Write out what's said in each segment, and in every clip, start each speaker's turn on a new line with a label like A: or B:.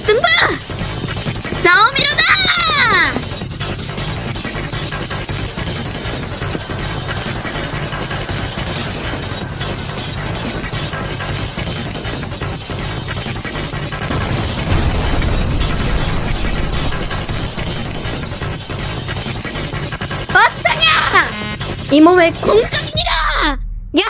A: 승부! 싸움이로다! 어떠냐! 이 몸의 공적이니라! 야!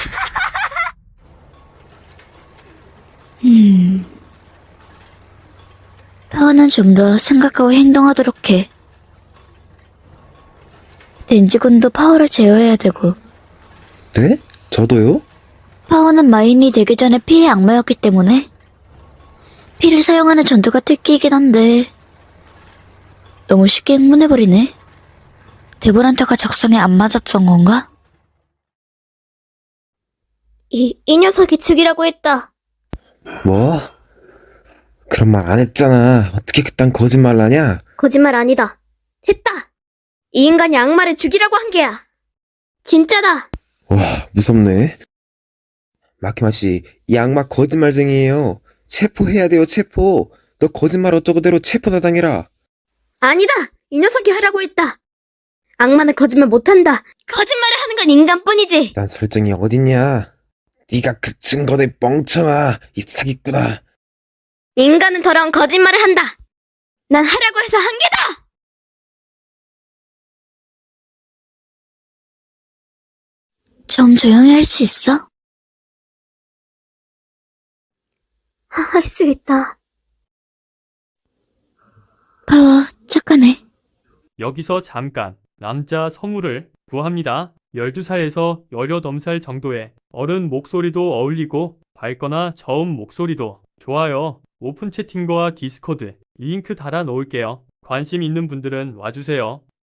B: 파워는 좀 더 생각하고 행동하도록 해. 덴지군도 파워를 제어해야 되고,
C: 네? 저도요?
B: 파워는 마인이 되기 전에 피의 악마였기 때문에 피를 사용하는 전투가 특기이긴 한데 너무 쉽게 흥분해버리네. 데보란타가 적성에 안 맞았던 건가?
A: 이 녀석이 죽이라고 했다.
C: 뭐? 그런 말 안 했잖아. 어떻게 그딴 거짓말을 하냐?
A: 거짓말 아니다. 했다. 이 인간이 악마를 죽이라고 한 게야. 진짜다.
C: 와, 무섭네. 마키마 씨, 이 악마 거짓말쟁이에요. 체포해야 돼요, 체포. 너 거짓말 어쩌고대로 체포다 당해라.
A: 아니다. 이 녀석이 하라고 했다. 악마는 거짓말 못한다. 거짓말을 하는 건 인간뿐이지.
C: 난 설정이 어딨냐? 네가 그 증거대 멍청아. 이 사기꾼아.
A: 인간은 더러운 거짓말을 한다. 난 하라고 해서 한 게다.
B: 좀 조용히 할 수 있어?
A: 할 수 있다.
B: 파워 착하네.
D: 여기서 잠깐 남자 성우를 구합니다. 12살에서 18살 정도의 어른 목소리도 어울리고 밝거나 저음 목소리도 좋아요. 오픈 채팅과 디스코드 링크 달아 놓을게요. 관심 있는 분들은 와주세요.